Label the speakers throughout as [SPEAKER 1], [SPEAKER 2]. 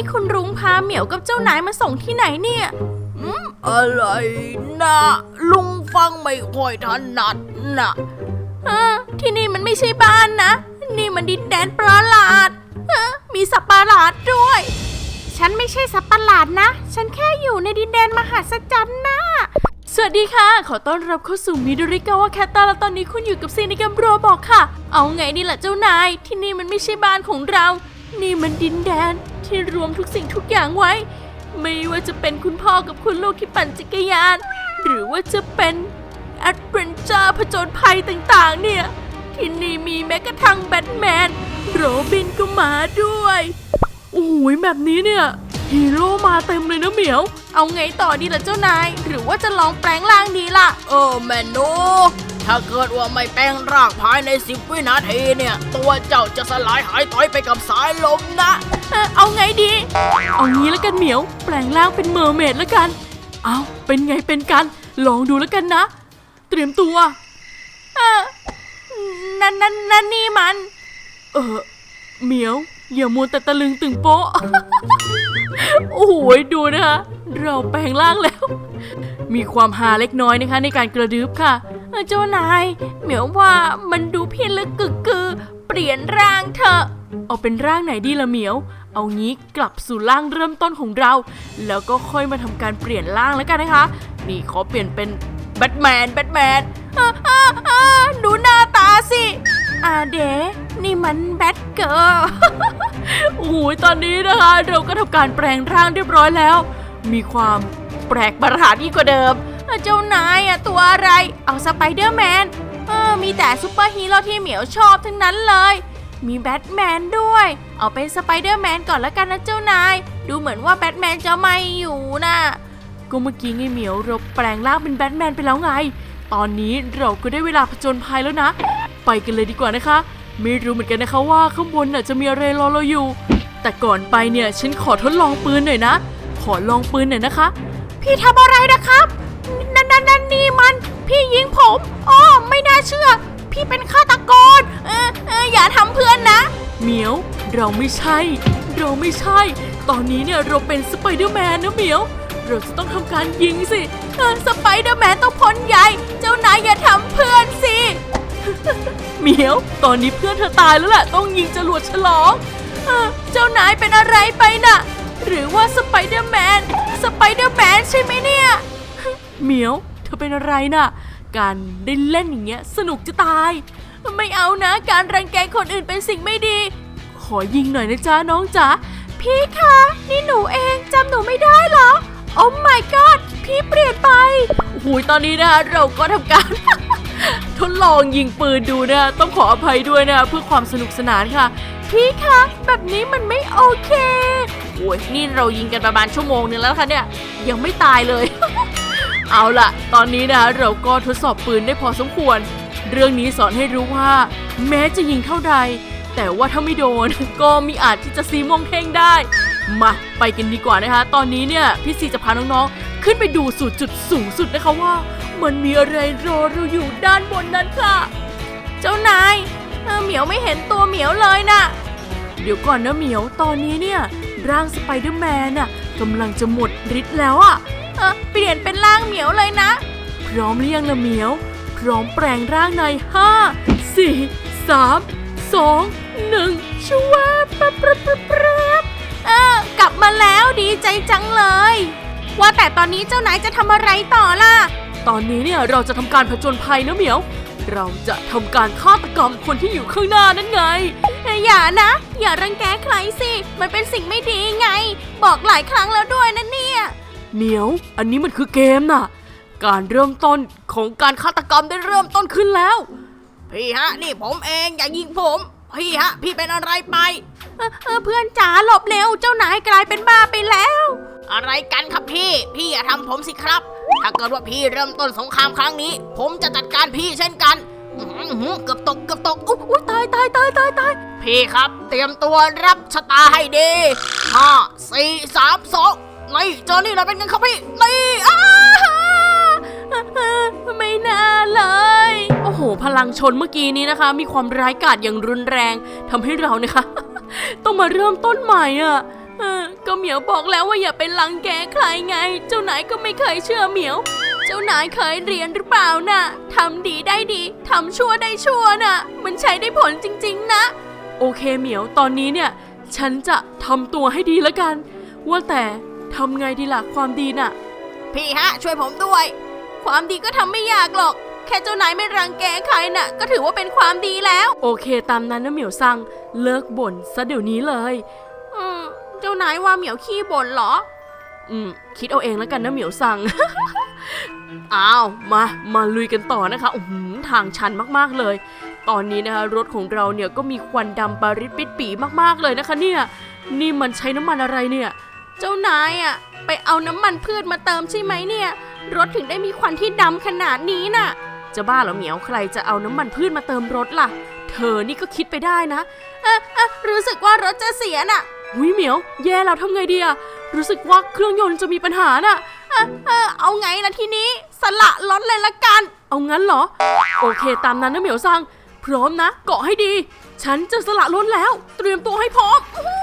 [SPEAKER 1] คุณรุ้งพาเหมียวกับเจ้านายมาส่งที่ไหนเนี่ย
[SPEAKER 2] อะไรนะลุงฟังไม่ค่อยถนัดนะ
[SPEAKER 1] ที่นี่มันไม่ใช่บ้านนะนี่มันดินแดนประหลาดมีสัตว์ประหลาดด้วยฉันไม่ใช่สัตว์ประหลาดนะฉันแค่อยู่ในดินแดนมหัศจรรย์นะสวัสดีค่ะขอต้อนรับเข้าสู่มิดริกาวะแคตตาและตอนนี้คุณอยู่กับซีในเกมโรบอกค่ะเอาไงดีล่ะเจ้านายที่นี่มันไม่ใช่บ้านของเรานี่มันดินแดนที่รวมทุกสิ่งทุกอย่างไว้ไม่ว่าจะเป็นคุณพ่อกับคุณลูกที่ปั่นจักรยานหรือว่าจะเป็นแอดเวนเจอร์ผจญภัยต่างๆเนี่ยที่นี่มีแม้กระทั่งแบทแมนโรบินก็มาด้วยโอ้ยแบบนี้เนี่ยฮีโร่มาเต็มเลยนะเหมียวเอาไงต่อดีล่ะเจ้านายหรือว่าจะลองแปลงร่างดีล่ะ
[SPEAKER 2] แม่หนูถ้าเกิดว่าไม่แปลงร่างภายใน10 วินาทีเนี่ยตัวเจ้าจะสลายหายต่อยไปกับสายลมนะ
[SPEAKER 1] เอาไงดีเอางี้แล้วกันเหมียวแปลงร่างเป็นเมอร์เมดแล้วกันเอาเป็นไงเป็นกันลองดูแล้วกันนะเตรียมตัวนั่นนี่มันเหมียวอย่ามัวแต่ตะลึงตึงโป๊ะ โอ้โหดูนะคะเราแปลงร่างแล้วมีความฮาเล็กน้อยนะคะในการกระดึ๊บค่ะเจ้านายเหมียวว่ามันดูพิลึกกึกกือเปลี่ยนร่างเถอะเอาเป็นร่างไหนดีล่ะเหมียวเอางี้กลับสู่ร่างเริ่มต้นของเราแล้วก็ค่อยมาทำการเปลี่ยนร่างแล้วกันนะคะนี่ขอเปลี่ยนเป็นแบทแมนดูหน้าตาสิเดนี่มันแบทเกิร์ล โอ้โหตอนนี้นะคะเราก็ทำการแปลงร่างเรียบร้อยแล้วมีความแปลกประหลาดยิ่งกว่าเดิมเจ้านายตัวอะไรเอาสไปเดอร์แมนมีแต่ซูเปอร์ฮีโร่ที่เหมียวชอบทั้งนั้นเลยมีแบทแมนด้วยเอาเป็นสไปเดอร์แมนก่อนละกันนะเจ้านายดูเหมือนว่าแบทแมนจะไม่อยู่นะก็เมื่อกี้ไงเหมียวเราแปลงร่างเป็นแบทแมนไปแล้วไงตอนนี้เราก็ได้เวลาผจญภัยแล้วนะไปกันเลยดีกว่านะคะไม่รู้เหมือนกันนะคะว่าข้างบนจะมีอะไรรอเราอยู่แต่ก่อนไปเนี่ยฉันขอทดลองปืนหน่อยนะขอลองปืนหน่อยนะคะพี่ทำอะไรนะครับนั่นนี่มันพี่ยิงผมไม่น่าเชื่อพี่เป็นฆาตกรอย่าทำเพื่อนนะเหมียวเราไม่ใช่ตอนนี้เนี่ยเราเป็นสไปเดอร์แมนนะเหมียวเราจะต้องทำการยิงสิสไปเดอร์แมนต้องพ้นใหญ่เจ้านายอย่าทำเพื่อนสิ เหมียวตอนนี้เพื่อนเธอตายแล้วแหละต้องยิงจรวดฉลองเจ้านายเป็นอะไรไปน่ะหรือว่าสไปเดอร์แมนใช่ไหมเนี่ยเหมียวเธอเป็นอะไรน่ะการได้เล่นอย่างเงี้ยสนุกจะตายไม่เอานะการรังแกคนอื่นเป็นสิ่งไม่ดีขอยิงหน่อยนะจ๊ะน้องจ๋าพี่คะนี่หนูเองจำหนูไม่ได้เหรอโอ้ my god พี่เปลี่ยนไปโอ้โหตอนนี้นะเราก็ทำการ ทดลองยิงปืนดูนะต้องขออภัยด้วยนะเพื่อความสนุกสนานค่ะพี่คะแบบนี้มันไม่โอเคโอ้ยนี่เรายิงกันประมาณชั่วโมงนึงแล้วค่ะเนี่ยยังไม่ตายเลย เอาล่ะตอนนี้นะเราก็ทดสอบปืนได้พอสมควรเรื่องนี้สอนให้รู้ว่าแม้จะยิงเท่าใดแต่ว่าถ้าไม่โดน ก็มีอาจที่จะซีม่วงเท่งได้มาไปกันดีกว่านะคะตอนนี้เนี่ยพี่ซีจะพาน้องๆขึ้นไปดูสู่จุดสูงสุดนะคะว่ามันมีอะไรรอเราอยู่ด้านบนนั้นค่ะเจ้านายเหมียวไม่เห็นตัวเหมียวเลยนะเดี๋ยวก่อนนะเหมียวตอนนี้เนี่ยร่างสไปเดอร์แมนน่ะกำลังจะหมดฤทธิ์แล้วอ่ะเปลี่ยนเป็นร่างเหมียวเลยนะพร้อมหรือยังล่ะเหมียวพร้อมแปลงร่างใน5 4 3 2 1ชัวร์ปั๊บกลับมาแล้วดีใจจังเลยว่าแต่ตอนนี้เจ้านายจะทำอะไรต่อล่ะตอนนี้เนี่ยเราจะทำการผจญภัยนะเหมียวเราจะทำการฆาตกรรมคนที่อยู่ข้างหน้านั่นไงอย่านะอย่ารังแกใครสิมันเป็นสิ่งไม่ดีไงบอกหลายครั้งแล้วด้วยนะเนี่ยเหมียวอันนี้มันคือเกมน่ะการเริ่มต้นของการฆาตกรรมได้เริ่มต้นขึ้นแล้ว
[SPEAKER 2] พี่ฮะนี่ผมเองอย่ายิงผมพี่ฮะพี่เป็นอะไรไป
[SPEAKER 1] เพื่อนจ๋าหลบเร็วเจ้านายกลายเป็นบ้าไปแล้ว
[SPEAKER 2] อะไรกันครับพี่อย่าทำผมสิครับถ้าเกิดว่าพี่เริ่มต้นสงครามครั้งนี้ผมจะจัดการพี่เช่นกันเกือบตก
[SPEAKER 1] อุ๊ยตาย
[SPEAKER 2] พี่ครับเตรียมตัวรับชะตาให้ดี5 4 3 2นี่เจอนี่เราเป็นกันครับพี่นี่
[SPEAKER 1] ไม่น่าเลยโอ้โหพลังชนเมื่อกี้นี้นะคะมีความร้ายกาจอย่างรุนแรงทำให้เรานะคะ ต้องมาเริ่มต้นใหม่ก็เหมียวบอกแล้วว่าอย่าไปรังแกใครไงเจ้านายก็ไม่เคยเชื่อเหมียวเจ้านายเคยเรียนหรือเปล่าน่ะทำดีได้ดีทำชั่วได้ชั่วน่ะมันใช้ได้ผลจริงๆนะโอเคเหมียวตอนนี้เนี่ยฉันจะทำตัวให้ดีแล้วกันว่าแต่ทำไงดีล่ะความดีน่ะ
[SPEAKER 2] พี่ฮะช่วยผมด้วย
[SPEAKER 1] ความดีก็ทำไม่ยากหรอกแค่เจ้านายไม่รังแกใครน่ะก็ถือว่าเป็นความดีแล้วโอเคตามนั้นนะเหมียวซังเลิกบ่นซะเดี๋ยวนี้เลยเจ้านายว่าเหมียวขี้บ่นเหรอคิดเอาเองแล้วกันนะเหมียวซัง อ้าวมาลุยกันต่อนะคะทางชันมากๆเลยตอนนี้นะคะรถของเราเนี่ยก็มีควันดำปาริดปิดปีมากๆเลยนะคะเนี่ยนี่มันใช้น้ำมันอะไรเนี่ยเจ้านายอ่ะไปเอาน้ำมันพืชมาเติมใช่ไหมเนี่ยรถถึงได้มีควันที่ดำขนาดนี้น่ะจะบ้าเหรอเหมียวใครจะเอาน้ำมันพืชมาเติมรถล่ะเธอนี่ก็คิดไปได้นะรู้สึกว่ารถจะเสียน่ะเหมียวแย่แล้วทำไงดีอะรู้สึกว่าเครื่องยนต์จะมีปัญหาน่ะเอาไงล่ะทีนี้สละรถเลยละกันเอางั้นเหรอโอเคตามนั้นนะเหมียวซังพร้อมนะเกาะให้ดีฉันจะสละรถแล้วเตรียมตัวให้พร้อม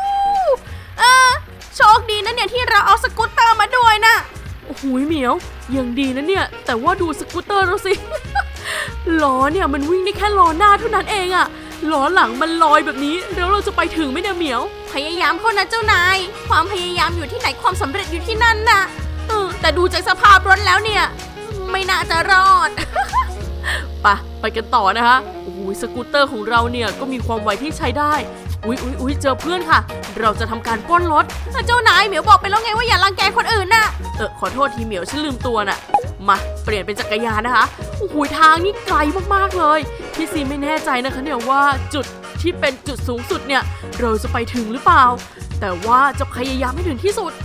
[SPEAKER 1] โชคดีนะเนี่ยที่เราเอาสกูตเตอร์มาด้วยนะโอ้โหเหมียวยังดีนะเนี่ยแต่ว่าดูสกูตเตอร์เราสิ ล้อเนี่ยมันวิ่งได้แค่ล้อหน้าเท่านั้นเองอะล้อหลังมันลอยแบบนี้แล้วเราจะไปถึงไหมเนี่ยเหมียวพยายามเข้านะเจ้านายความพยายามอยู่ที่ไหนความสำเร็จอยู่ที่นั่นน่ะแต่ดูจากสภาพรถแล้วเนี่ยไม่น่าจะรอด ไปกันต่อนะคะโอ้โหสกูตเตอร์ของเราเนี่ยก็มีความไวที่ใช้ได้อุ๊ยเจอเพื่อนค่ะเราจะทำการปล้นรถเจ้านายเหมียวบอกไปแล้วไงว่าอย่ารังแกคนอื่นน่ะขอโทษทีเหมียวฉันลืมตัวน่ะมาเปลี่ยนเป็นจักรยานนะคะโอ้โหทางนี่ไกลมากๆเลยพี่ซีไม่แน่ใจนะคะเนี่ยว่าจุดที่เป็นจุดสูงสุดเนี่ยเราจะไปถึงหรือเปล่าแต่ว่าจะพยายามให้ถึงที่สุด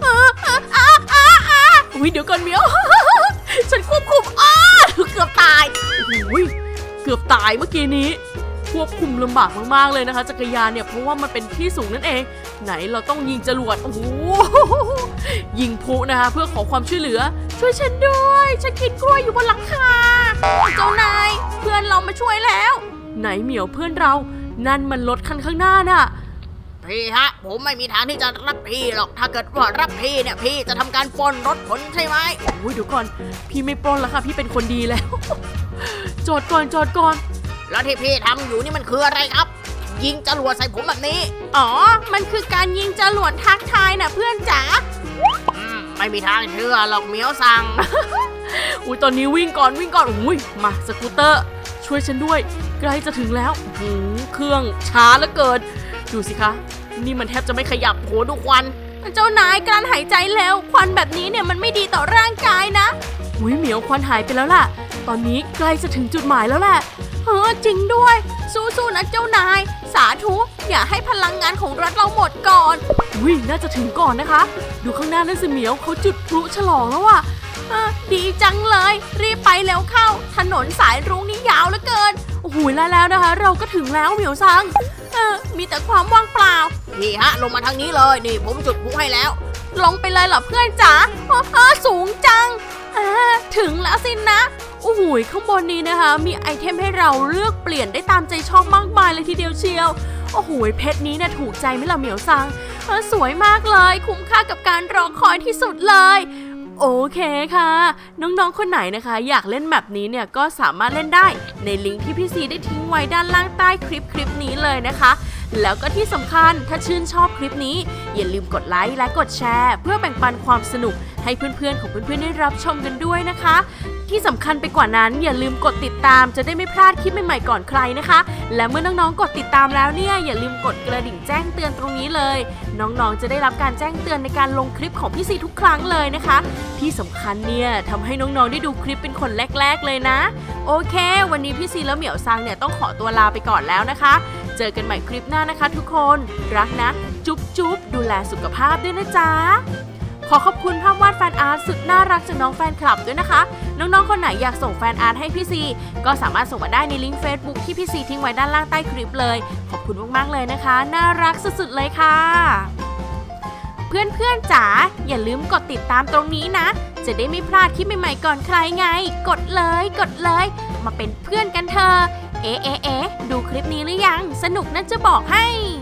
[SPEAKER 1] เดี๋ยวก่อนเหมียว ฉันควบคุมเกือบตายเกือบตายเมื่อกี้นี้ควบคุมลำบากมากๆเลยนะคะจักรยานเนี่ยเพราะว่ามันเป็นที่สูงนั่นเองไหนเราต้องยิงจรวดโอ้โหยิงพลุนะคะเพื่อขอความช่วยเหลือช่วยฉันด้วยฉันกินกล้วยอยู่บนหลังคาเจ้านายเพื่อนเรามาช่วยแล้วไหนเหมียวเพื่อนเรานั่นมันรถคันข้างหน้าน่ะ
[SPEAKER 2] พี่ฮะผมไม่มีทางที่จะรับพี่หรอกถ้าเกิดว่ารับพี่เนี่ยพี่จะทำการปล้นรถผลใช่ไหม
[SPEAKER 1] เดี๋ยวก่อนพี่ไม่ปล้นแล้วค่ะพี่เป็นคนดีแล้ว จอดก่อน
[SPEAKER 2] แล้วที่พี่ทำอยู่นี่มันคืออะไรครับยิงจรวดใส่ผมแบบนี้
[SPEAKER 1] มันคือการยิงจรวดทักทายน่ะเพื่อนจ๋า
[SPEAKER 2] ไม่มีทางเชื่อหรอกเหมียวซัง
[SPEAKER 1] ตอนนี้วิ่งก่อนมาสกูตเตอร์ช่วยฉันด้วยใกล้จะถึงแล้วเครื่องช้าเหลือเกินดูสิคะนี่มันแทบจะไม่ขยับโหดูควันเจ้านายการหายใจแล้วควันแบบนี้เนี่ยมันไม่ดีต่อร่างกายนะเหมียวควันหายไปแล้วล่ะตอนนี้ใกล้จะถึงจุดหมายแล้วแหละจริงด้วยสู้ๆนะเจ้านายสาธุอย่าให้พลังงานของรถเราหมดก่อนน่าจะถึงก่อนนะคะดูข้างหน้านั่นสิเหมียวเขาจุดพลุฉลองแล้วอ่ะดีจังเลยรีบไปแล้วเข้าถนนสายรุ้งนี่ยาวเหลือเกินโอ้โหแล้วนะคะเราก็ถึงแล้วเหมียวซังมีแต่ความว่างเปล่า
[SPEAKER 2] นี่ฮะลงมาทางนี้เลยนี่ผมจุดพลุให้แล้ว
[SPEAKER 1] ลงไปเลยเหรอเพื่อนจ๋าสูงจังถึงแล้วสินะโอ้โหข้างบนนี้นะคะมีไอเทมให้เราเลือกเปลี่ยนได้ตามใจชอบมากมายเลยทีเดียวเชียวโอ้โหเพชรนี้เนี่ยถูกใจไหมล่ะเหมียวซังสวยมากเลยคุ้มค่ากับการรอคอยที่สุดเลยโอเคค่ะน้องๆคนไหนนะคะอยากเล่นแบบนี้เนี่ยก็สามารถเล่นได้ในลิงก์ที่พี่ซีได้ทิ้งไว้ด้านล่างใต้คลิปนี้เลยนะคะแล้วก็ที่สำคัญถ้าชื่นชอบคลิปนี้อย่าลืมกดไลค์และกดแชร์เพื่อแบ่งปันความสนุกให้เพื่อนๆของเพื่อนๆได้รับชมกันด้วยนะคะที่สำคัญไปกว่านั้นอย่าลืมกดติดตามจะได้ไม่พลาดคลิปใหม่ๆก่อนใครนะคะและเมื่อน้องๆกดติดตามแล้วเนี่ยอย่าลืมกดกระดิ่งแจ้งเตือนตรงนี้เลยน้องๆจะได้รับการแจ้งเตือนในการลงคลิปของพี่ซีทุกครั้งเลยนะคะที่สำคัญเนี่ยทำให้น้องๆได้ดูคลิปเป็นคนแรกๆเลยนะโอเควันนี้พี่ซีและเหมียวซังเนี่ยต้องขอตัวลาไปก่อนแล้วนะคะเจอกันใหม่คลิปหน้านะคะทุกคนรักนะจุ๊บดูแลสุขภาพด้วยนะจ๊ะขอขอบคุณภาพวาดแฟนอาร์ตสุดน่ารักจากน้องแฟนคลับด้วยนะคะน้องๆคนไหนอยากส่งแฟนอาร์ตให้พี่ซีก็สามารถส่งมาได้ในลิงก์ Facebook ที่พี่ซีทิ้งไว้ด้านล่างใต้คลิปเลยขอบคุณมากๆเลยนะคะน่ารักสุดๆเลยค่ะเพื่อนๆจ๋าอย่าลืมกดติดตามตรงนี้นะจะได้ไม่พลาดคลิปใหม่ๆก่อนใครไงกดเลยมาเป็นเพื่อนกันเถอะดูคลิปนี้หรือยังสนุกนะจะบอกให้